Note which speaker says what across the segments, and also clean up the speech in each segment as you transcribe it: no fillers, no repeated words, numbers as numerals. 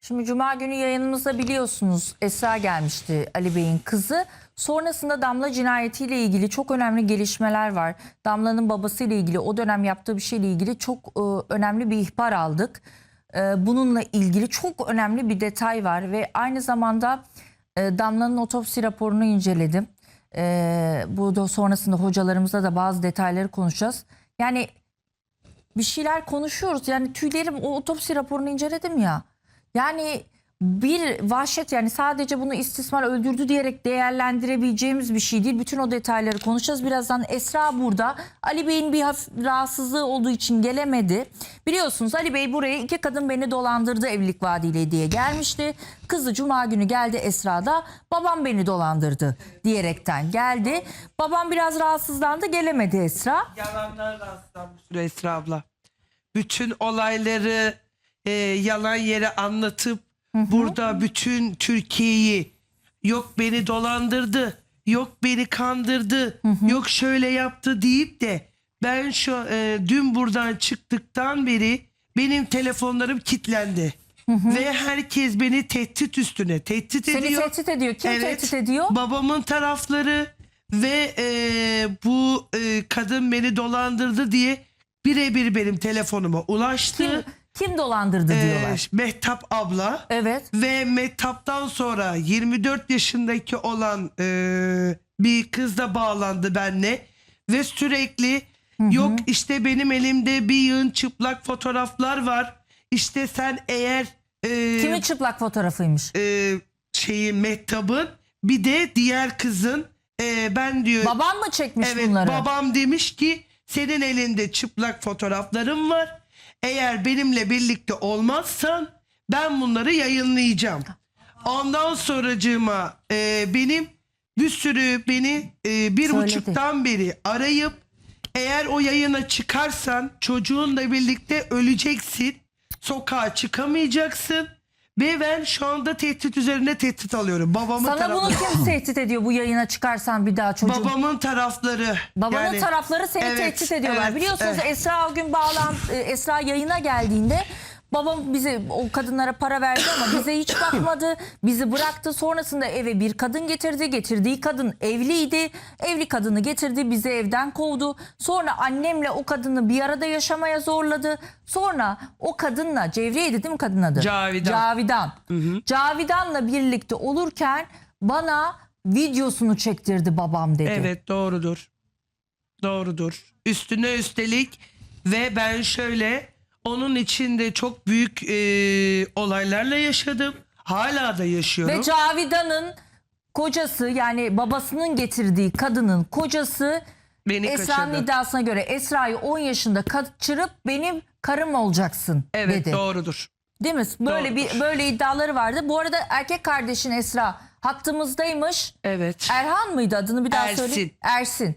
Speaker 1: Şimdi Cuma günü yayınımızda biliyorsunuz Esra gelmişti, Ali Bey'in kızı. Sonrasında Damla cinayetiyle ilgili çok önemli gelişmeler var. Damla'nın babasıyla ilgili o dönem yaptığı bir şeyle ilgili çok önemli bir ihbar aldık. Bununla ilgili çok önemli bir detay var ve aynı zamanda Damla'nın otopsi raporunu inceledim. Bu da sonrasında hocalarımızla da bazı detayları konuşacağız. Yani bir şeyler konuşuyoruz. Yani tüylerim, o otopsi raporunu inceledim ya. Yani bir vahşet, yani sadece bunu istismar, öldürdü diyerek değerlendirebileceğimiz bir şey değil. Bütün o detayları konuşacağız. Birazdan Esra burada. Ali Bey'in bir hafif rahatsızlığı olduğu için gelemedi. Biliyorsunuz Ali Bey buraya iki kadın beni dolandırdı evlilik vaadiyle diye gelmişti. Kızı Cuma günü geldi, Esra da babam beni dolandırdı diyerekten geldi. Babam biraz rahatsızlandı, gelemedi Esra.
Speaker 2: Yalanlar rastlanmış Esra abla. Bütün olayları yalan yere anlatıp burada bütün Türkiye'yi yok beni dolandırdı, yok beni kandırdı, yok şöyle yaptı deyip de ben dün buradan çıktıktan beri benim telefonlarım kilitlendi. Ve herkes beni tehdit üstüne tehdit ediyor.
Speaker 1: Seni tehdit ediyor. Kim tehdit ediyor?
Speaker 2: Babamın tarafları ve bu kadın beni dolandırdı diye birebir benim telefonuma ulaştı.
Speaker 1: Kim dolandırdı diyorlar.
Speaker 2: Mehtap abla.
Speaker 1: Evet.
Speaker 2: Ve Mehtap'tan sonra 24 yaşındaki olan bir kız da bağlandı benimle. Ve sürekli yok işte benim elimde bir yığın çıplak fotoğraflar var. İşte sen eğer...
Speaker 1: Kimin çıplak fotoğrafıymış?
Speaker 2: Mehtap'ın bir de diğer kızın ben diyor...
Speaker 1: Babam mı çekmiş
Speaker 2: evet,
Speaker 1: bunları?
Speaker 2: babam demiş ki senin elinde çıplak fotoğraflarım var. Eğer benimle birlikte olmazsan ben bunları yayınlayacağım. Ondan sonracığıma benim bir sürü beni 1,5'tan beri arayıp eğer o yayına çıkarsan çocuğunla birlikte öleceksin. Sokağa çıkamayacaksın. Ve ben şu anda tehdit üzerine tehdit alıyorum. Babamın
Speaker 1: Sana
Speaker 2: tarafları.
Speaker 1: bunu kim tehdit ediyor bu yayına çıkarsan bir daha çocuğun?
Speaker 2: Babamın tarafları.
Speaker 1: Babanın tarafları seni
Speaker 2: evet,
Speaker 1: tehdit ediyorlar.
Speaker 2: evet,
Speaker 1: Biliyorsunuz
Speaker 2: evet.
Speaker 1: Esra o gün Esra yayına geldiğinde babam bize o kadınlara para verdi ama bize hiç bakmadı. Bizi bıraktı. Sonrasında eve bir kadın getirdi. Getirdiği kadın evliydi. Evli kadını getirdi. Bizi evden kovdu. Sonra annemle o kadını bir arada yaşamaya zorladı. Sonra o kadınla, Cevriye'ydi değil mi kadın adı?
Speaker 2: Cavidan.
Speaker 1: Cavidan. Cavidan'la birlikte olurken bana videosunu çektirdi babam dedi.
Speaker 2: Evet, doğrudur. Doğrudur. Üstüne üstelik ve ben şöyle onun içinde çok büyük olaylarla yaşadım. Hala da yaşıyorum.
Speaker 1: Ve Cavidan'ın kocası, yani babasının getirdiği kadının kocası
Speaker 2: Beni
Speaker 1: Esra'nın
Speaker 2: kaçırdı.
Speaker 1: iddiasına göre Esra'yı 10 yaşında kaçırıp benim karım olacaksın
Speaker 2: Evet,
Speaker 1: dedi.
Speaker 2: doğrudur.
Speaker 1: Değil mi?
Speaker 2: Doğrudur.
Speaker 1: Böyle iddiaları vardı. Bu arada erkek kardeşin Esra hattımızdaymış.
Speaker 2: Evet.
Speaker 1: Erhan mıydı adını bir daha
Speaker 2: Ersin.
Speaker 1: söyle. Ersin.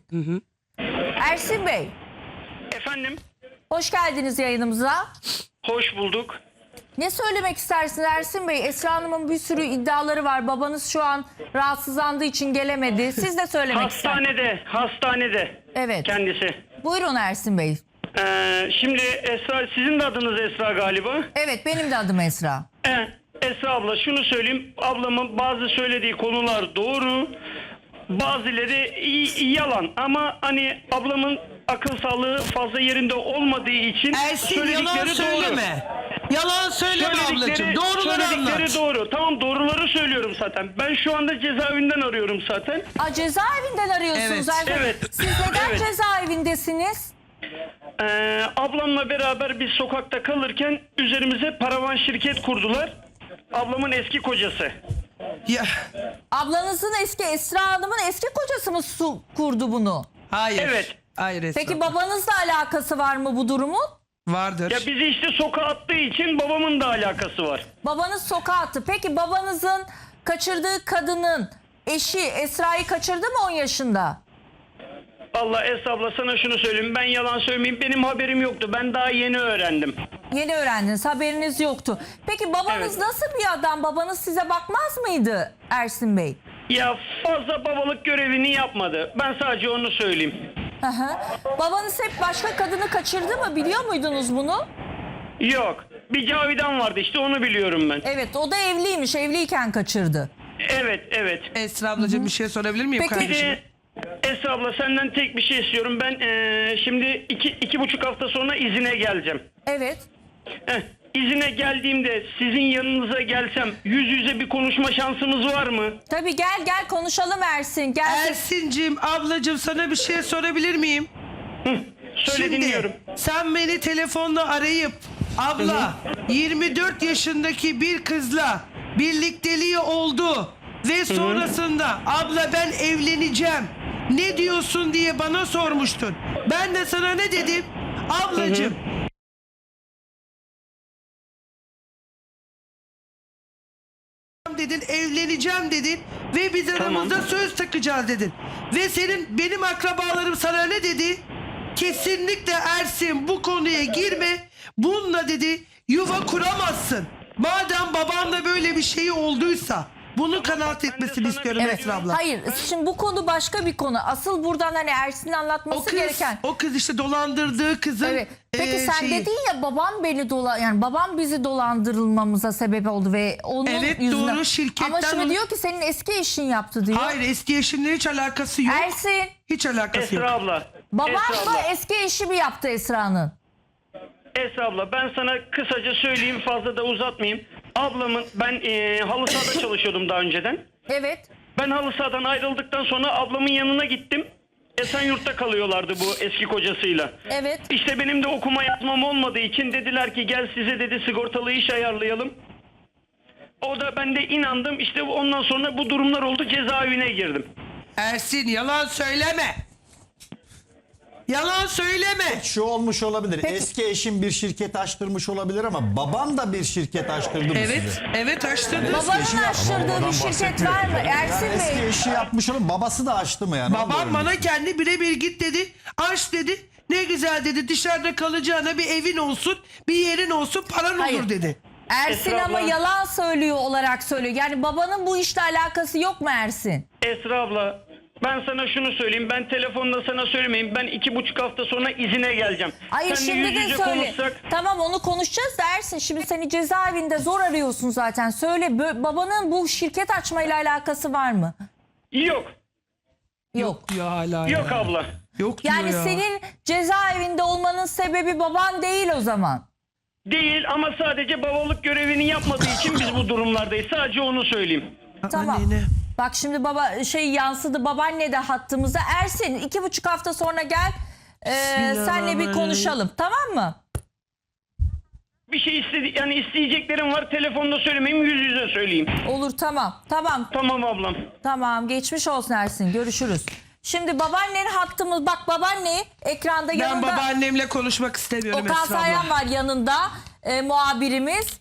Speaker 1: Ersin Bey,
Speaker 3: Efendim,
Speaker 1: hoş geldiniz yayınımıza.
Speaker 3: hoş bulduk.
Speaker 1: Ne söylemek istersiniz Ersin Bey? Esra Hanım'ın bir sürü iddiaları var. Babanız şu an rahatsızlandığı için gelemedi. Siz de söylemek istersiniz.
Speaker 3: Hastanede
Speaker 1: Evet.
Speaker 3: kendisi.
Speaker 1: Buyurun Ersin Bey.
Speaker 3: Şimdi Esra, sizin de adınız Esra galiba.
Speaker 1: Evet, benim de adım Esra.
Speaker 3: Esra abla, şunu söyleyeyim. Ablamın bazı söylediği konular doğru. Bazıları yalan. Ama hani ablamın akıl sağlığı fazla yerinde olmadığı için
Speaker 2: Ersin, yalan söyleme. Yalan söyleme ablacığım. Doğruları anlat.
Speaker 3: doğru. Tamam, doğruları söylüyorum zaten. Ben şu anda cezaevinden arıyorum zaten.
Speaker 1: Cezaevinden arıyorsunuz
Speaker 2: Evet.
Speaker 1: Ersin Bey.
Speaker 3: Evet.
Speaker 1: Siz neden
Speaker 3: Evet.
Speaker 1: cezaevindesiniz?
Speaker 3: Ablamla beraber biz sokakta kalırken üzerimize paravan şirket kurdular. Ablamın eski kocası.
Speaker 2: Ya,
Speaker 1: Ablanızın Esra Hanım'ın eski kocası mı kurdu bunu?
Speaker 2: hayır.
Speaker 3: Evet.
Speaker 2: Hayır Esra.
Speaker 1: Peki babanızla alakası var mı bu durumun?
Speaker 2: Vardır.
Speaker 3: Ya bizi işte sokağa attığı için babamın da alakası var.
Speaker 1: Babanız sokağa attı. Peki babanızın kaçırdığı kadının eşi Esra'yı kaçırdı mı 10 yaşında?
Speaker 3: Allah Esra abla, sana şunu söyleyeyim. Ben yalan söylemeyeyim. Benim haberim yoktu. Ben daha yeni öğrendim.
Speaker 1: Yeni öğrendiniz, haberiniz yoktu. Peki babanız
Speaker 3: Evet.
Speaker 1: nasıl bir adam? Babanız size bakmaz mıydı Ersin Bey?
Speaker 3: Ya fazla babalık görevini yapmadı. Ben sadece onu söyleyeyim.
Speaker 1: Hı hı. Babanız hep başka kadını kaçırdı mı? Biliyor muydunuz bunu?
Speaker 3: Yok. Bir Cavidan vardı işte, onu biliyorum ben.
Speaker 1: Evet, o da evliymiş. Evliyken kaçırdı.
Speaker 3: Evet.
Speaker 2: Esra ablacığım bir şey sorabilir miyim
Speaker 1: Peki,
Speaker 3: Bir
Speaker 2: kardeşim?
Speaker 3: de Esra abla, senden tek bir şey istiyorum. Ben şimdi iki buçuk hafta sonra izine geleceğim.
Speaker 1: Evet.
Speaker 3: İzine geldiğimde sizin yanınıza gelsem yüz yüze bir konuşma şansımız var mı?
Speaker 1: Tabii gel konuşalım Ersin. Gel.
Speaker 2: Ersin'cim ablacığım sana bir şey sorabilir miyim?
Speaker 3: Söyle, dinliyorum.
Speaker 2: Sen beni telefonla arayıp abla 24 yaşındaki bir kızla birlikteliği oldu ve sonrasında abla ben evleneceğim ne diyorsun diye bana sormuştun. Ben de sana ne dedim? Ablacığım dedin, evleneceğim dedin ve biz aramızda söz takacağız dedin. Ve benim akrabalarım sana ne dedi? Kesinlikle Ersin bu konuya girme. Bununla dedi yuva kuramazsın. Madem babanla böyle bir şey olduysa bunu kanaat etmesini istiyorum
Speaker 1: Evet.
Speaker 2: Esra abla.
Speaker 1: Hayır, şimdi bu konu başka bir konu. Asıl buradan hani Ersin'in anlatması gereken.
Speaker 2: O kız işte dolandırdığı kızın
Speaker 1: Evet. Peki sen
Speaker 2: şeyi.
Speaker 1: dedin ya babam bizi dolandırılmamıza sebep oldu ve onun
Speaker 2: Evet,
Speaker 1: yüzünden.
Speaker 2: doğru, şirketten
Speaker 1: Ama şimdi
Speaker 2: onu-
Speaker 1: diyor ki senin eski eşin yaptı diyor.
Speaker 2: Hayır, eski eşimle hiç alakası yok.
Speaker 1: Ersin,
Speaker 2: Hiç alakası yok.
Speaker 3: Esra abla.
Speaker 1: baban
Speaker 3: Esra
Speaker 1: mı
Speaker 3: abla.
Speaker 1: eski eşi mi yaptı Esra'nın?
Speaker 3: Esra abla, ben sana kısaca söyleyeyim, fazla da uzatmayayım. Ablamın, ben halı sahada çalışıyordum daha önceden.
Speaker 1: Evet.
Speaker 3: Ben halı sahadan ayrıldıktan sonra ablamın yanına gittim. Esenyurt'ta kalıyorlardı bu eski kocasıyla.
Speaker 1: Evet.
Speaker 3: İşte benim de okuma yazmam olmadığı için dediler ki gel size dedi sigortalı iş ayarlayalım. O da, ben de inandım. İşte ondan sonra bu durumlar oldu, cezaevine girdim.
Speaker 2: Ersin yalan söyleme. Yalan söyleme.
Speaker 4: Şu olmuş olabilir.
Speaker 1: Peki.
Speaker 4: Eski eşim bir şirket açtırmış olabilir ama babam da bir şirket açtırdı mı
Speaker 2: Evet,
Speaker 4: size?
Speaker 2: evet açtırdın.
Speaker 1: Babanın
Speaker 4: eşi yaptı.
Speaker 1: açtırdığı
Speaker 4: Babadan
Speaker 1: bir şirket
Speaker 4: bahsetmiyor.
Speaker 1: var mı? Ersin
Speaker 4: Eski
Speaker 1: Bey.
Speaker 4: eşi yapmış olabilir. Babası da açtı mı yani? Onu da
Speaker 2: Babam
Speaker 4: öğrenmek
Speaker 2: bana
Speaker 4: istiyorum.
Speaker 2: kendi birebir git dedi. Aç dedi. Ne güzel dedi. Dışarıda kalacağına bir evin olsun, bir yerin olsun, paran
Speaker 1: Hayır.
Speaker 2: olur dedi.
Speaker 1: Ersin
Speaker 3: Esra
Speaker 1: ama
Speaker 3: abla.
Speaker 1: yalan söylüyor olarak söylüyor. Yani babanın bu işle alakası yok mu Ersin?
Speaker 3: Esra abla, ben sana şunu söyleyeyim. Ben telefonda sana söylemeyeyim. Ben 2,5 hafta sonra izine geleceğim.
Speaker 1: Hayır,
Speaker 3: Seninle
Speaker 1: şimdi
Speaker 3: yüz
Speaker 1: de
Speaker 3: yüze
Speaker 1: söyle.
Speaker 3: konuşsak.
Speaker 1: Tamam, onu konuşacağız da Ersin, şimdi seni cezaevinde zor arıyorsun zaten. Söyle, babanın bu şirket açmayla alakası var mı?
Speaker 3: Yok.
Speaker 1: Yok.
Speaker 2: Ya hala
Speaker 3: Yok
Speaker 2: ya.
Speaker 3: abla.
Speaker 2: Yok diyor
Speaker 1: Yani
Speaker 2: ya.
Speaker 1: senin cezaevinde olmanın sebebi baban değil o zaman.
Speaker 3: Değil, ama sadece babalık görevini yapmadığı için biz bu durumlardayız. Sadece onu söyleyeyim.
Speaker 1: Tamam.
Speaker 2: Annene.
Speaker 1: Bak şimdi baba yansıdı, babaanne de hattımızda. Ersin 2,5 hafta sonra gel. Senle bir
Speaker 2: Bismillahirrahmanirrahim.
Speaker 1: konuşalım, tamam mı?
Speaker 3: Bir şey yani isteyeceklerim var. Telefonda söylemeyeyim, yüz yüze söyleyeyim.
Speaker 1: Olur, tamam.
Speaker 3: Tamam ablam.
Speaker 1: Tamam, geçmiş olsun Ersin, görüşürüz. Şimdi babaannenin hattımız, bak babaanne ekranda
Speaker 2: Ben
Speaker 1: yanında.
Speaker 2: babaannemle konuşmak istemiyorum
Speaker 1: Okan
Speaker 2: Esra
Speaker 1: Sayan
Speaker 2: abla.
Speaker 1: var yanında, muhabirimiz.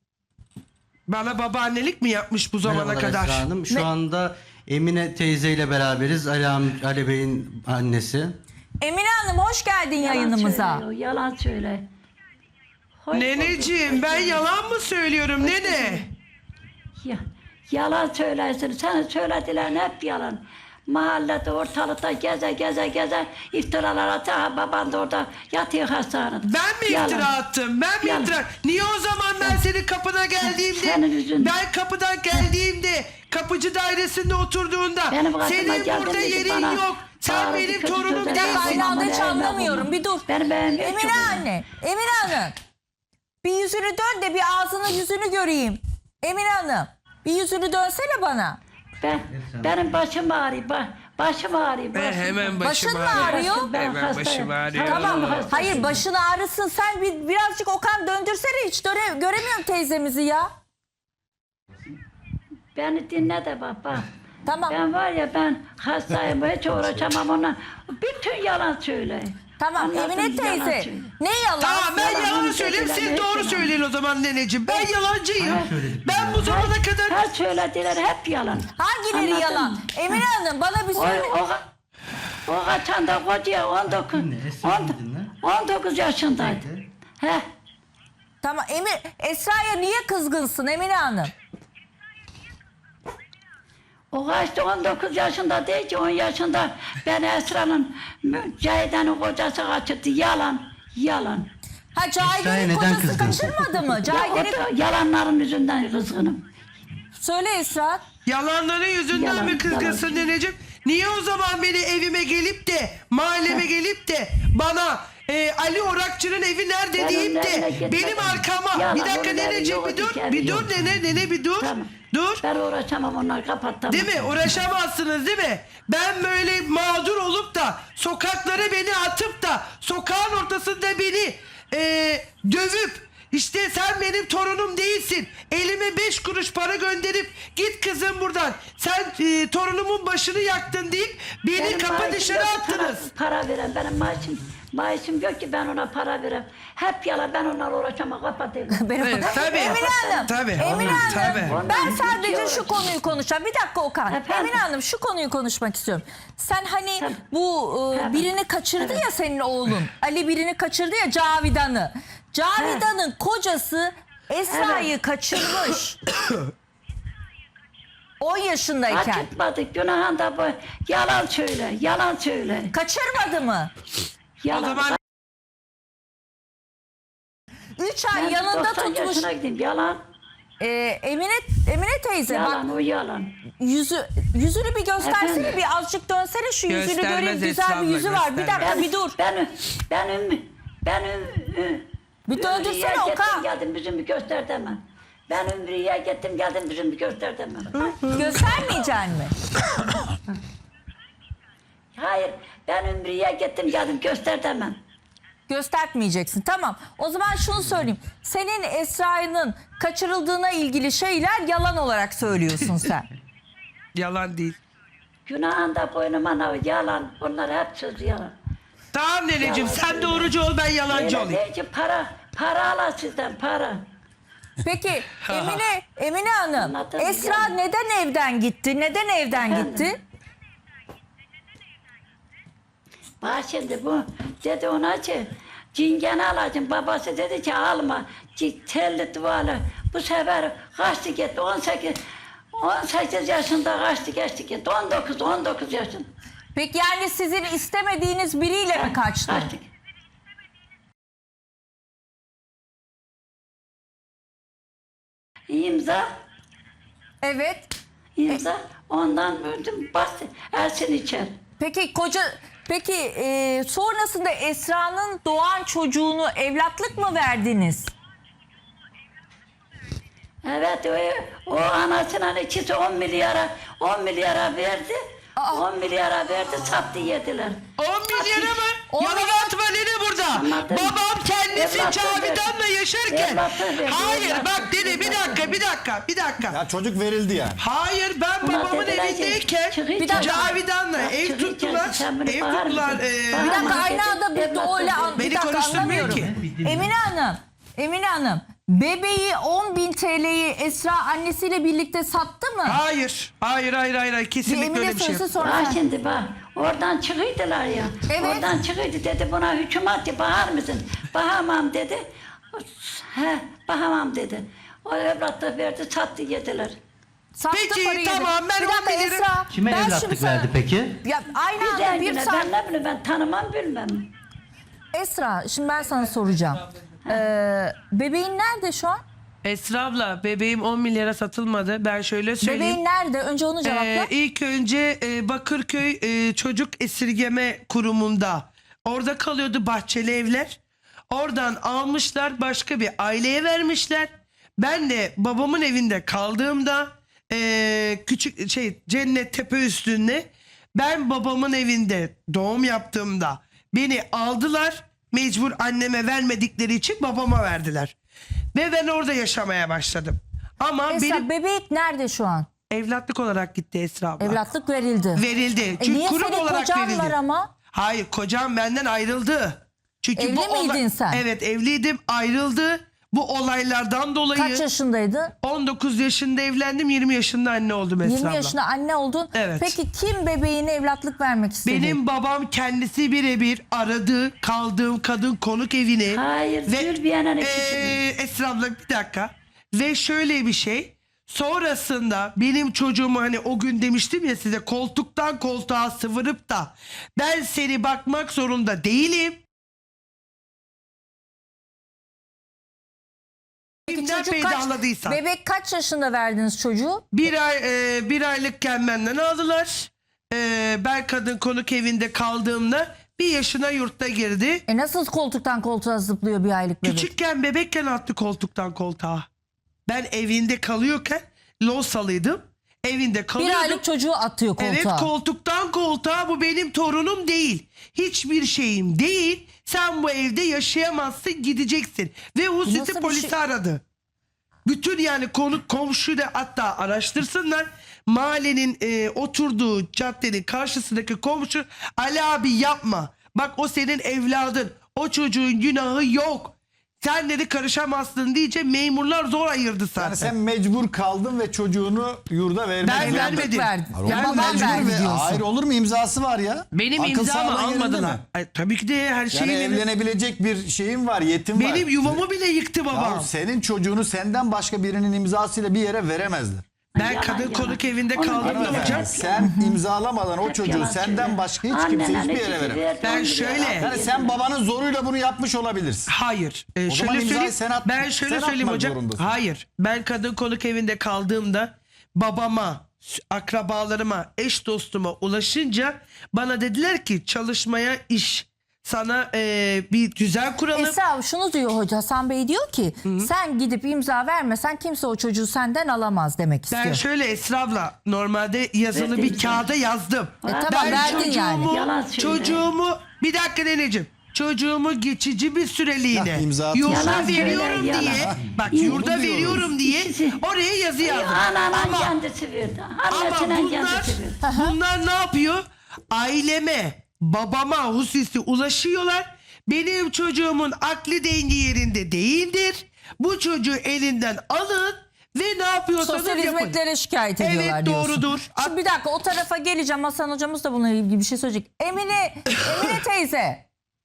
Speaker 2: Bana babaannelik mi yapmış bu zamana
Speaker 5: Merhabalar
Speaker 2: kadar?
Speaker 5: Esra Hanım. Şu
Speaker 1: Ne-
Speaker 5: anda Emine teyzeyle beraberiz. Ali Bey'in annesi.
Speaker 1: Emine Hanım, hoş geldin yayınımıza.
Speaker 6: Söylüyor, yalan söyle. Hoş
Speaker 2: Neneciğim
Speaker 6: bulduk.
Speaker 2: ben yalan mı söylüyorum nene?
Speaker 6: Ya, yalan söylersin. Senin söyledilerin hep yalan. Mahallede ortalıkta geze iftiralar atıyor. Baban da orada yatıyor hastanede.
Speaker 2: Ben mi
Speaker 6: Yalan.
Speaker 2: iftira attım? Ben mi
Speaker 6: Yalan.
Speaker 2: iftira? Niye o zaman ben senin kapına geldiğimde,
Speaker 6: Senin yüzünden.
Speaker 2: ben kapıdan geldiğimde, kapıcı dairesinde oturduğunda
Speaker 6: Benim kapıma
Speaker 2: senin
Speaker 6: geldin
Speaker 2: burada
Speaker 6: dedi
Speaker 2: yerin
Speaker 6: bana,
Speaker 2: yok. Sen
Speaker 6: bağırdı,
Speaker 2: benim
Speaker 6: kötü
Speaker 2: torunum
Speaker 6: sözler
Speaker 1: Bir dakika,
Speaker 2: değilsin.
Speaker 1: aynı anda hiç
Speaker 6: Ama
Speaker 1: anlamıyorum.
Speaker 6: bunu.
Speaker 1: Bir dur.
Speaker 6: Benim
Speaker 1: Emine
Speaker 6: çok
Speaker 1: anne, Emine Hanım. Bir yüzünü dön de bir ağzını yüzünü göreyim. Emine Hanım, bir yüzünü dönsene bana.
Speaker 6: Benim başım ağrıyor. Başım ağrıyor.
Speaker 2: Ben hemen
Speaker 1: Başın
Speaker 2: başım
Speaker 1: mı ağrıyor?
Speaker 6: Ben
Speaker 2: Hemen
Speaker 6: hastayım.
Speaker 2: başım ağrıyor.
Speaker 6: Tamam hastayım.
Speaker 1: Hayır, başın ağrısın. Sen birazcık Okan döndürsene, hiç göremiyorum teyzemizi ya.
Speaker 6: Beni dinle de baba.
Speaker 1: Tamam.
Speaker 6: Ben var ya, ben hastayım, hiç uğraşamam ona. Bütün yalan söyle.
Speaker 1: Tamam
Speaker 6: Anladın
Speaker 1: Emine
Speaker 6: mı? Yalan
Speaker 1: teyze.
Speaker 6: söyle.
Speaker 1: Ne yalan?
Speaker 2: Tamam ben
Speaker 6: Yalan
Speaker 2: yalan
Speaker 6: onu
Speaker 2: söyleyeyim, siz
Speaker 6: söylediler,
Speaker 2: doğru
Speaker 6: hep
Speaker 2: söyleyin o zaman neneciğim. Ben yalancıyım. Ben bu zamana kadar...
Speaker 6: Her söylediler hep yalan.
Speaker 1: Hangileri
Speaker 6: Anladın
Speaker 1: yalan?
Speaker 6: mı?
Speaker 1: Emine Hanım bana bir söyle.
Speaker 6: O kaçan da koca 19 yaşındaydı. He.
Speaker 1: Tamam Esra'ya niye kızgınsın Emine Hanım?
Speaker 6: O kaçtı 19 yaşında değil ki 10 yaşında. Ben Esra'nın Cahide'nin kocası kaçırdı. Yalan.
Speaker 1: Ha
Speaker 5: Esra'ya
Speaker 1: Cahide'nin
Speaker 5: neden
Speaker 1: kocası
Speaker 5: kızdın?
Speaker 1: kaçırmadı mı?
Speaker 6: O
Speaker 1: Cahide'nin...
Speaker 6: da yalanların yüzünden kızgınım.
Speaker 1: Söyle Esra.
Speaker 2: Yalanların yüzünden
Speaker 6: Yalan,
Speaker 2: mi kızgınsın
Speaker 6: yalan.
Speaker 2: neneciğim? Niye o zaman beni evime gelip de mahalleme gelip de bana Ali Orakçı'nın evi nerede
Speaker 6: Ben
Speaker 2: deyip
Speaker 6: onun evine
Speaker 2: de
Speaker 6: gitmedim.
Speaker 2: benim arkama
Speaker 6: Yalan,
Speaker 2: bir dakika
Speaker 6: onun evi
Speaker 2: neneciğim
Speaker 6: yok,
Speaker 2: bir dur
Speaker 6: evi
Speaker 2: bir dur
Speaker 6: yok.
Speaker 2: nene bir dur
Speaker 6: Tamam.
Speaker 2: dur.
Speaker 6: Ben uğraşamam, onlar kapattım.
Speaker 2: Değil mi? Uğraşamazsınız değil mi? Ben böyle mağdur olup da sokaklara beni atıp da sokağın ortasında beni dövüp işte sen benim torunum değilsin. Elime 5 kuruş para gönderip git kızım buradan. Sen torunumun başını yaktın deyip beni
Speaker 6: Benim
Speaker 2: kapı
Speaker 6: maaşım
Speaker 2: dışarı
Speaker 6: yok,
Speaker 2: attınız.
Speaker 6: Para veren benim maaşım yok ki ben ona para verem. Hep yalan, ben onlarla uğraşamam, kapatayım.
Speaker 2: Evet, tabii.
Speaker 1: Emine Hanım.
Speaker 2: Tabii.
Speaker 1: Emine Hanım.
Speaker 2: Tabii.
Speaker 1: Ben sadece
Speaker 6: Ondan
Speaker 1: şu konuyu konuşacağım. Bir dakika Okan.
Speaker 6: Efendim?
Speaker 1: Emine Hanım şu konuyu konuşmak istiyorum. Sen hani
Speaker 6: Tabii.
Speaker 1: bu
Speaker 6: Tabii.
Speaker 1: birini kaçırdı ya senin oğlun. Ali birini kaçırdı ya Cavidan'ı. Cavidan'ın kocası Esra'yı kaçırmış. 10 yaşındayken.
Speaker 6: Kaçırtmadık, günahın da bu. Yalan söyle, yalan söyle.
Speaker 1: Kaçırmadı mı?
Speaker 6: Yalan.
Speaker 2: O zaman
Speaker 1: 3 ay
Speaker 6: Ben
Speaker 1: yanında
Speaker 6: 90
Speaker 1: tutmuş.
Speaker 6: yaşına gideyim, yalan.
Speaker 1: Emine teyze bak
Speaker 6: Yalan, o yalan.
Speaker 1: yüzünü bir göstersene,
Speaker 6: Efendim?
Speaker 1: bir azıcık dönsene şu yüzünü
Speaker 2: Göstermez
Speaker 1: göreyim, güzel
Speaker 2: Esra
Speaker 1: bir
Speaker 2: abla,
Speaker 1: yüzü var. Bir dakika
Speaker 2: göstermez.
Speaker 1: bir dur. Bir döndürsene
Speaker 6: Ümriye'ye
Speaker 1: Okan.
Speaker 6: gittim geldim, yüzümü göster demem. Ben Ümriye'ye gittim geldim, yüzümü göster demem.
Speaker 1: Göstermeyeceksin mi?
Speaker 6: Hayır, ben Ümriye'ye gittim geldim, göster demem.
Speaker 1: Göstermeyeceksin. Tamam. O zaman şunu söyleyeyim. Senin Esra'nın kaçırıldığına ilgili şeyler yalan olarak söylüyorsun sen.
Speaker 2: yalan değil.
Speaker 6: Günahın da boynuma nav, yalan. Bunlar hep söz yalan.
Speaker 2: Tamam neneciğim
Speaker 6: Yalan
Speaker 2: sen
Speaker 6: söyle.
Speaker 2: doğrucu ol ben yalancı
Speaker 6: Öyle
Speaker 2: olayım.
Speaker 6: değil ki para ala sizden, para.
Speaker 1: Peki Emine Hanım,
Speaker 6: Anladım,
Speaker 1: Esra
Speaker 6: yani.
Speaker 1: neden evden gitti? Neden evden
Speaker 6: Efendim?
Speaker 1: gitti?
Speaker 6: Bak şimdi bu dedi ona ki cingeni alacağım. Babası dedi ki alma. Telli duvarlı. Bu sefer kaçtı gitti. 18 yaşında kaçtı geçti gitti. 19 yaşında.
Speaker 1: Peki yani sizin istemediğiniz biriyle mi kaçtı?
Speaker 6: Kaçtı. İmza,
Speaker 1: Evet.
Speaker 6: imza. Ondan öldüm. Bastı. Ersin içer.
Speaker 1: Peki sonrasında Esra'nın doğan çocuğunu evlatlık mı verdiniz?
Speaker 6: Evet, o anasının ikisi 10 milyara verdi. 10 milyara verdi, sattı yediler.
Speaker 2: 10 milyara mı?
Speaker 1: 10
Speaker 2: Yalan
Speaker 1: milyon-
Speaker 2: atma nene burada.
Speaker 6: Anladım.
Speaker 2: Babam kendisi
Speaker 6: Evlatlık
Speaker 2: Cavidan'la
Speaker 6: verdi.
Speaker 2: yaşarken.
Speaker 6: Evlatlık verdi,
Speaker 2: Hayır
Speaker 6: evlatlık
Speaker 2: bak nene
Speaker 6: verdi.
Speaker 2: bir dakika.
Speaker 4: Ya çocuk verildi yani.
Speaker 2: Hayır ben
Speaker 6: Buna
Speaker 2: babamın
Speaker 6: dediler ki,
Speaker 2: evindeyken
Speaker 6: çıkı
Speaker 1: Bir dakika.
Speaker 2: Cavidan'la
Speaker 6: Bak,
Speaker 2: ev
Speaker 6: çıkı
Speaker 2: tuttular.
Speaker 6: içerisi, sen bunu
Speaker 2: Ev
Speaker 6: bağır
Speaker 2: tuttular.
Speaker 6: mısın?
Speaker 1: Bir
Speaker 6: Bağır.
Speaker 1: dakika
Speaker 6: Ama
Speaker 1: aynı
Speaker 6: dedi,
Speaker 1: anda bir
Speaker 6: evlatlık
Speaker 1: öyle
Speaker 6: verdi.
Speaker 2: Beni
Speaker 1: bir dakika
Speaker 2: konuşturmuyor
Speaker 1: anlamıyorum.
Speaker 2: ki.
Speaker 1: Emine Hanım bebeği 10.000 TL'yi Esra annesiyle birlikte sattı mı?
Speaker 2: Hayır.
Speaker 1: Bir
Speaker 2: Kesinlikle
Speaker 1: Emine
Speaker 2: öyle bir şey
Speaker 1: söylesin
Speaker 2: yok.
Speaker 1: sonra.
Speaker 6: Bak
Speaker 1: sen.
Speaker 6: şimdi bak, oradan çıkıydılar ya.
Speaker 1: Evet.
Speaker 6: Oradan çıkıydı dedi buna hükümet bahar mısın? Bahamam dedi. He, bahamam dedi. O evlatlık verdi, sattı yediler.
Speaker 1: Sattı
Speaker 2: Peki,
Speaker 1: parayı.
Speaker 2: tamam, ben
Speaker 1: Bir dakika
Speaker 2: 10 bin lira-
Speaker 1: Esra.
Speaker 5: Kime
Speaker 1: ben
Speaker 5: evlatlık
Speaker 1: şimdi sana-
Speaker 5: verdi peki?
Speaker 1: Ya aynı
Speaker 6: Bir
Speaker 1: anda bir
Speaker 6: rengine
Speaker 1: saat.
Speaker 6: ben ne bileyim, ben tanımam bilmem.
Speaker 1: Esra şimdi ben sana soracağım. Bebeğin nerede şu an?
Speaker 2: Esra abla bebeğim 10 milyara satılmadı. Ben şöyle söyleyeyim.
Speaker 1: Bebeğin nerede? Önce onu cevapla.
Speaker 2: İlk önce Bakırköy Çocuk Esirgeme Kurumu'nda. Orada kalıyordu Bahçeli Evler. Oradan almışlar başka bir aileye vermişler. Ben de babamın evinde kaldığımda küçük Cennet Tepe üstünde ben babamın evinde doğum yaptığımda beni aldılar. Mecbur anneme vermedikleri için babama verdiler. Ve ben orada yaşamaya başladım. Ama
Speaker 1: Esra
Speaker 2: benim
Speaker 1: bebek nerede şu an?
Speaker 2: evlatlık olarak gitti Esra abla.
Speaker 1: Evlatlık verildi.
Speaker 2: Verildi. Çünkü
Speaker 1: Niye
Speaker 2: kurum
Speaker 1: senin
Speaker 2: olarak
Speaker 1: kocan
Speaker 2: verildi.
Speaker 1: var ama?
Speaker 2: Hayır kocam benden ayrıldı. Çünkü
Speaker 1: Evli
Speaker 2: bu
Speaker 1: miydin sen?
Speaker 2: Evet evliydim ayrıldı. Bu olaylardan dolayı
Speaker 1: Kaç yaşındaydın?
Speaker 2: 19 yaşında evlendim 20 yaşında anne oldum Esra
Speaker 1: 20
Speaker 2: abla.
Speaker 1: yaşında anne oldun.
Speaker 2: Evet.
Speaker 1: Peki kim bebeğine evlatlık vermek istedi?
Speaker 2: Benim babam kendisi birebir aradı kaldığım kadın konuk evini.
Speaker 6: Hayır, Zülbiye'nin ikisini.
Speaker 2: Esra abla bir dakika. Ve şöyle bir şey. Sonrasında benim çocuğumu hani o gün demiştim ya size koltuktan koltuğa sıvırıp da ben seni bakmak zorunda değilim. peydahladıysan.
Speaker 1: Bebek kaç yaşında verdiniz çocuğu?
Speaker 2: Bir aylıkken benden aldılar. Ben kadın konuk evinde kaldığımda 1 yaşına yurtta girdi.
Speaker 1: Nasıl koltuktan koltuğa zıplıyor bir aylık bebek?
Speaker 2: Küçükken bebekken attı koltuktan koltuğa. Ben evinde kalıyorken Losalıydım. Evinde
Speaker 1: Bir
Speaker 2: kalıyordum.
Speaker 1: aylık çocuğu atıyor koltuğa.
Speaker 2: Evet, koltuktan koltuğa. Bu benim torunum değil. Hiçbir şeyim değil. Sen bu evde yaşayamazsın, gideceksin. Ve
Speaker 1: Nasıl
Speaker 2: Husit'i
Speaker 1: bir
Speaker 2: polisi
Speaker 1: şey?
Speaker 2: aradı. Bütün yani komşu da hatta araştırsınlar. Mahallenin oturduğu caddenin karşısındaki komşu, Ali abi yapma. Bak o senin evladın. O çocuğun günahı yok. Sen dedi karışamazsın diyece memurlar zor ayırdı zaten.
Speaker 4: Yani sen mecbur kaldın ve çocuğunu yurda vermedin.
Speaker 2: Ben vermedim.
Speaker 1: verdi.
Speaker 2: Yani
Speaker 1: Babam
Speaker 2: mecbur
Speaker 1: verdi
Speaker 4: Ve-
Speaker 1: diyorsun.
Speaker 4: Hayır, olur mu, imzası var ya.
Speaker 2: Benim
Speaker 4: Akıl
Speaker 2: imzamı
Speaker 4: sağlığı yerinde
Speaker 2: almadılar.
Speaker 4: mi?
Speaker 2: Tabii ki de her
Speaker 4: Yani
Speaker 2: şeyi
Speaker 4: evlenebilecek bir şeyin var, yetim var.
Speaker 2: benim yuvamı bile yıktı babam.
Speaker 4: Ya senin çocuğunu senden başka birinin imzasıyla bir yere veremezler.
Speaker 2: Ben
Speaker 6: Yalan,
Speaker 2: kadın
Speaker 6: yalan.
Speaker 2: konuk evinde
Speaker 6: Onu
Speaker 2: kaldım
Speaker 6: demiyorum.
Speaker 2: hocam.
Speaker 6: Hep
Speaker 4: Sen imzalamadan o
Speaker 6: Hep
Speaker 4: çocuğu
Speaker 6: yalan
Speaker 4: senden
Speaker 6: söylüyor.
Speaker 4: başka hiç kimse
Speaker 6: Annene
Speaker 4: hiçbir
Speaker 6: ne
Speaker 4: yere
Speaker 6: sütü
Speaker 4: veremez.
Speaker 6: verdi,
Speaker 2: Ben
Speaker 6: onu
Speaker 2: şöyle-
Speaker 6: biliyor.
Speaker 4: Yani sen babanın zoruyla bunu yapmış olabilirsin.
Speaker 2: Hayır.
Speaker 4: O zaman
Speaker 2: Şöyle
Speaker 4: imzayı
Speaker 2: söyleyeyim.
Speaker 4: sen at-
Speaker 2: Ben şöyle
Speaker 4: sen
Speaker 2: söyleyeyim
Speaker 4: atmak
Speaker 2: hocam.
Speaker 4: zorundasın.
Speaker 2: Hayır. Ben kadın konuk evinde kaldığımda babama, akrabalarıma, eş dostuma ulaşınca bana dediler ki çalışmaya iş. Sana bir düzen kuralım.
Speaker 1: Esra şunu diyor hoca, Hasan Bey diyor ki sen gidip imza vermesen kimse o çocuğu senden alamaz demek istiyor.
Speaker 2: Ben şöyle Esra abla normalde yazılı
Speaker 6: Verdim
Speaker 2: bir kağıda yazdım.
Speaker 1: tamam,
Speaker 2: Ben
Speaker 1: verdin yani.
Speaker 6: Yalan söylüyor.
Speaker 2: çocuğumu bir dakika neneciğim. Çocuğumu geçici bir süreliğine
Speaker 4: Ya, imza
Speaker 2: yurda
Speaker 6: Yalan söyle,
Speaker 2: veriyorum
Speaker 6: yalan.
Speaker 2: diye bak
Speaker 6: İyi,
Speaker 2: yurda
Speaker 4: bunu diyoruz.
Speaker 2: veriyorum diye oraya yazı yazdım.
Speaker 6: Ananan kendisi verdi.
Speaker 2: Ama
Speaker 6: Annesinin kendisi verdi.
Speaker 2: bunlar ne yapıyor? Aileme, babama hususi ulaşıyorlar. Benim çocuğumun akli dengi yerinde değildir. Bu çocuğu elinden alın ve ne yapıyorsanız
Speaker 1: Sosyal
Speaker 2: yapın.
Speaker 1: hizmetlere şikayet
Speaker 2: Evet,
Speaker 1: ediyorlar diyorsun.
Speaker 2: doğrudur.
Speaker 1: Şimdi bir dakika o tarafa geleceğim. Hasan hocamız da bununla ilgili bir şey söyleyecek. Emine teyze.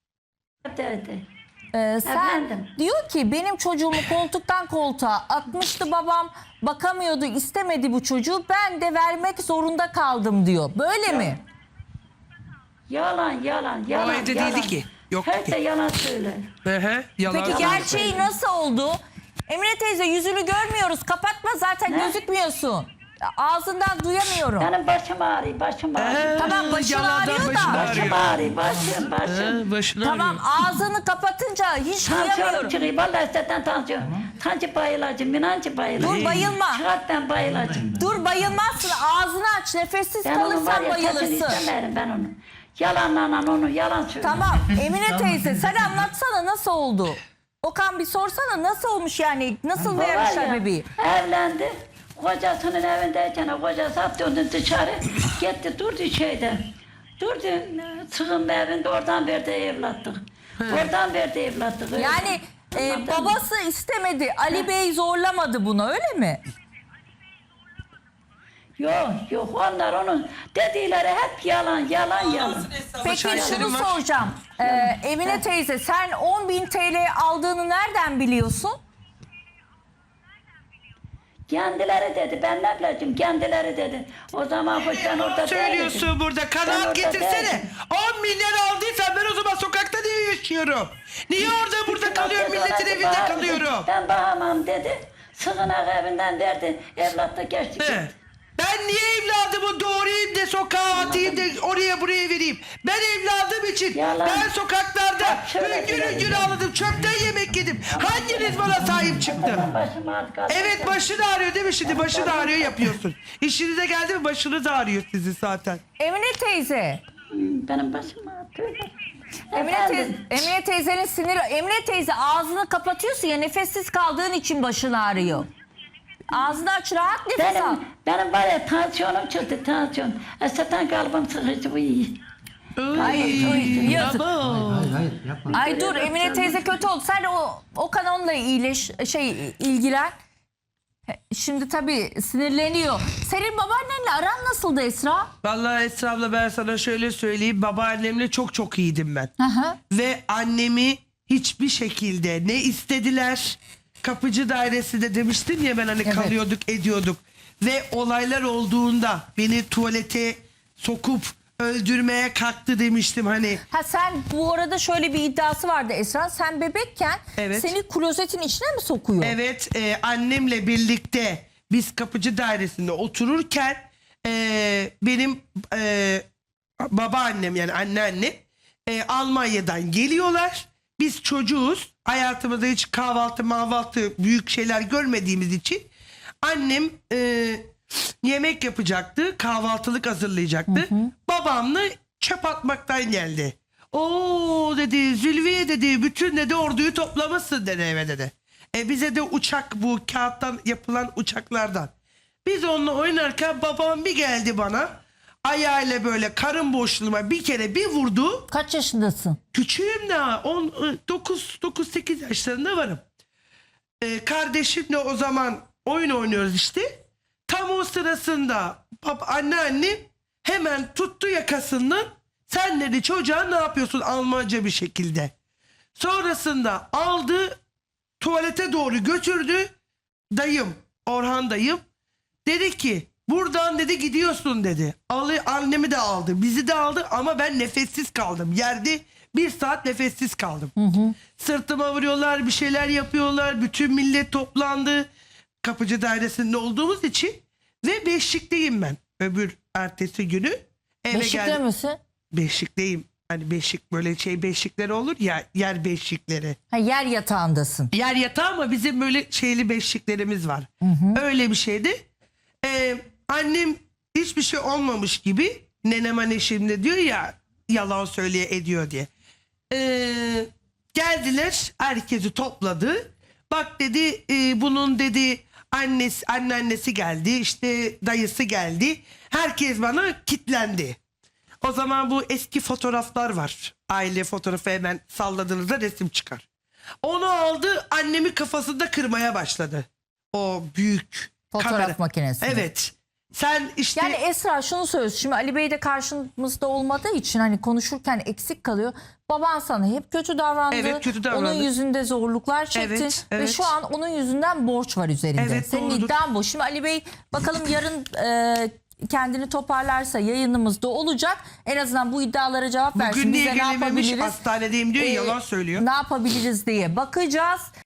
Speaker 6: Dedi.
Speaker 1: Sen
Speaker 6: Efendim?
Speaker 1: diyor ki benim çocuğumu koltuktan koltuğa atmıştı babam, bakamıyordu, istemedi bu çocuğu, ben de vermek zorunda kaldım diyor. Böyle mi?
Speaker 6: Yalan.
Speaker 2: O evde
Speaker 6: yalan.
Speaker 2: değildi ki. Yok
Speaker 6: Hep
Speaker 2: ki.
Speaker 6: de yalan söyler.
Speaker 2: Yalan.
Speaker 1: Peki gerçeği nasıl oldu? Emine teyze yüzünü görmüyoruz, kapatma zaten
Speaker 6: Ne?
Speaker 1: gözükmüyorsun. Ağzından duyamıyorum.
Speaker 6: Benim başım ağrıyor, başım ağrıyor.
Speaker 1: Tamam, başın
Speaker 2: yalandan
Speaker 1: ağrıyor da.
Speaker 2: başın
Speaker 6: Başım ağrıyor, başım.
Speaker 2: Başını
Speaker 1: Tamam,
Speaker 2: ağrıyor.
Speaker 1: ağzını kapatınca hiç
Speaker 6: Tansiyonum
Speaker 1: duyamıyorum.
Speaker 6: çıkıyor. Vallahi zaten tansiyon. Tanci bayılacağım, minancı bayılacağım.
Speaker 1: Dur bayılma.
Speaker 6: Çıkart ben bayılacağım.
Speaker 1: Dur bayılmazsın, ağzını aç, nefessiz
Speaker 6: Ben onu var
Speaker 1: kalırsan
Speaker 6: ya sesini
Speaker 1: bayılırsın.
Speaker 6: istemerim ben onu. Yalanla onu yalan söylüyor.
Speaker 1: Tamam Emine teyze sen anlatsana nasıl oldu? Okan bir sorsana nasıl olmuş yani, nasıl
Speaker 6: Var
Speaker 1: vermişler
Speaker 6: ya,
Speaker 1: bebeği?
Speaker 6: evlendi. Kocasının evindeyken kocası attı onu dışarı. Gitti durdu şeyde. Durdu sığınma evinde, oradan verdi evlatlık. Oradan verdi evlatlık. öyle.
Speaker 1: Yani
Speaker 6: Anladın mı?
Speaker 1: babası istemedi, Ali Bey zorlamadı bunu, öyle mi?
Speaker 6: Yok onlar onun dedikleri hep yalan.
Speaker 1: Peki
Speaker 2: şahitlerim
Speaker 1: şunu
Speaker 2: var.
Speaker 1: soracağım. Emine teyze sen 10.000 TL aldığını nereden biliyorsun?
Speaker 6: Kendileri dedi, ben ne bileceğim, kendileri dedi. O zaman hoş ben orada
Speaker 2: Söylüyorsun
Speaker 6: değildim.
Speaker 2: burada.
Speaker 6: Ben
Speaker 2: Kanaat
Speaker 6: orada
Speaker 2: getirsene.
Speaker 6: değildim.
Speaker 2: 10 milyar aldıysan ben o zaman sokakta niye yaşıyorum? Niye orada burada kalıyorum, milletin evinde kalıyorum?
Speaker 6: Ben bakamam dedi. Sığınak evinden verdi. Evlatla geçti.
Speaker 2: He. Ben niye evladımı doğrayayım da sokağa atayım da oraya buraya vereyim? Ben evladım için
Speaker 6: Yalan.
Speaker 2: ben sokaklarda
Speaker 6: Bak şöyle
Speaker 2: hüngür
Speaker 6: söyleyeyim.
Speaker 2: hüngür ağladım. Çöpten yemek yedim. Hanginiz bana sahip çıktı?
Speaker 6: Başım ağrıyor.
Speaker 2: Evet, başın ağrıyor değil mi şimdi? Başın ağrıyor yapıyorsun. İşinize geldi mi başınız ağrıyor sizin zaten.
Speaker 1: Emine teyze.
Speaker 6: Benim başım ağrıyor.
Speaker 1: Emine teyzenin siniri. Emine teyze ağzını kapatıyorsun ya, nefessiz kaldığın için başın ağrıyor. Ağzını aç, rahat nefes al.
Speaker 6: Benim var ya tansiyonum çıktı, tansiyon. Zaten kalbim sıkıcı, bu iyi.
Speaker 1: Yazık.
Speaker 5: Hayır yapma.
Speaker 1: Ay dur, Emine teyze kötü oldu. Sen o kanonla ilgilen. Şimdi tabii sinirleniyor. Senin babaannenle aran nasıldı Esra?
Speaker 2: Vallahi Esra abla ben sana şöyle söyleyeyim. Babaannemle çok iyiydim ben.
Speaker 1: Hı.
Speaker 2: Ve annemi hiçbir şekilde ne istediler. Kapıcı dairesinde demiştim ya ben hani
Speaker 1: Evet.
Speaker 2: kalıyorduk ediyorduk. Ve olaylar olduğunda beni tuvalete sokup öldürmeye kalktı demiştim hani.
Speaker 1: Ha sen bu arada şöyle bir iddiası vardı Esra. Sen bebekken
Speaker 2: Evet.
Speaker 1: seni klozetin içine mi sokuyor?
Speaker 2: Evet, annemle birlikte biz kapıcı dairesinde otururken benim babaannem yani anneannem Almanya'dan geliyorlar. Biz çocuğuz. Hayatımızda hiç kahvaltı büyük şeyler görmediğimiz için annem yemek yapacaktı. Kahvaltılık hazırlayacaktı. Babamla çöp atmaktan geldi. Oo dedi, Zülfiye dedi, bütün dedi orduyu toplamışsın dedi eve dedi. Bize de uçak, bu kağıttan yapılan uçaklardan. Biz onunla oynarken babam bir geldi bana. Ayağıyla böyle karın boşluğuma bir kere bir vurdu.
Speaker 1: Kaç yaşındasın?
Speaker 2: Küçüğüm daha 9-8 yaşlarında varım. Kardeşimle o zaman oyun oynuyoruz işte. Tam o sırasında anneannem hemen tuttu yakasından. Sen dedi çocuğa ne yapıyorsun Almanca bir şekilde. Sonrasında aldı tuvalete doğru götürdü. Dayım, Orhan dayım dedi ki buradan dedi gidiyorsun dedi. Annemi de aldı, bizi de aldı ama ben nefessiz kaldım. Yerde 1 saat nefessiz kaldım. Sırtıma vuruyorlar, bir şeyler yapıyorlar. Bütün millet toplandı. Kapıcı dairesinde olduğumuz için ve Beşik'teyim ben. Öbür ertesi günü eve
Speaker 1: Beşikte
Speaker 2: geldim.
Speaker 1: misin?
Speaker 2: Beşik'teyim. Hani beşik böyle beşikleri olur ya, yer beşikleri.
Speaker 1: Ha, yer yatağındasın.
Speaker 2: Yer yatağı ama bizim böyle şeyli beşiklerimiz var. Öyle bir şeydi. Annem hiçbir şey olmamış gibi, nenem hani şimdi diyor ya yalan söyleye ediyor diye. Geldiler, herkesi topladı. Bak dedi bunun dedi anneannesi geldi, işte dayısı geldi. Herkes bana kitlendi. O zaman bu eski fotoğraflar var. Aile fotoğrafı hemen salladığınızda resim çıkar. Onu aldı, annemi kafasında kırmaya başladı. O büyük
Speaker 1: Fotoğraf makinesi.
Speaker 2: Evet. Sen işte
Speaker 1: Yani Esra şunu söylüyorsun. Şimdi Ali Bey de karşımızda olmadığı için hani konuşurken eksik kalıyor. Baban sana hep kötü davrandı.
Speaker 2: Evet, kötü davrandı.
Speaker 1: Onun yüzünde zorluklar çektin.
Speaker 2: Evet,
Speaker 1: Ve
Speaker 2: evet.
Speaker 1: şu an onun yüzünden borç var üzerinde.
Speaker 2: Evet,
Speaker 1: Senin
Speaker 2: doğrudur.
Speaker 1: iddian bu. Şimdi Ali Bey bakalım yarın kendini toparlarsa yayınımızda olacak. En azından bu iddialara cevap versin.
Speaker 2: bugün niye
Speaker 1: Bize ne
Speaker 2: gelememiş,
Speaker 1: yapabiliriz?
Speaker 2: hastanedeyim diyor, yalan söylüyor.
Speaker 1: Ne yapabiliriz diye bakacağız.